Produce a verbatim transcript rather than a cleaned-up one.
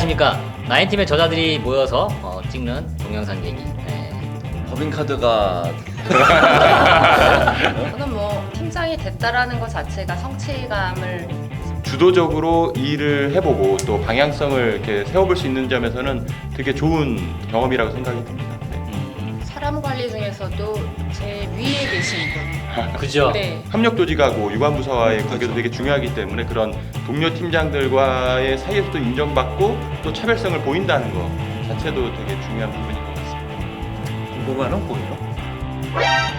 안녕하십니까. 나인팀의 저자들이 모여서 어, 찍는 동영상 얘기. 네. 법인카드가 저는 뭐 팀장이 됐다라는 것 자체가 성취감을 주도적으로 일을 해보고 또 방향성을 이렇게 세워볼 수 있는 점에서는 되게 좋은 경험이라고 생각이 듭니다. 네. 사람 관리 중에서도 제 위에 계신 분. 그죠? 네. 협력 조직하고 유관부서와의 관계도 되게 중요하기 때문에 그런 동료 팀장들과의 사이에서도 인정받고 또 차별성을 보인다는 거 자체도 되게 중요한 부분인 것 같습니다. 궁금한 건 보이요?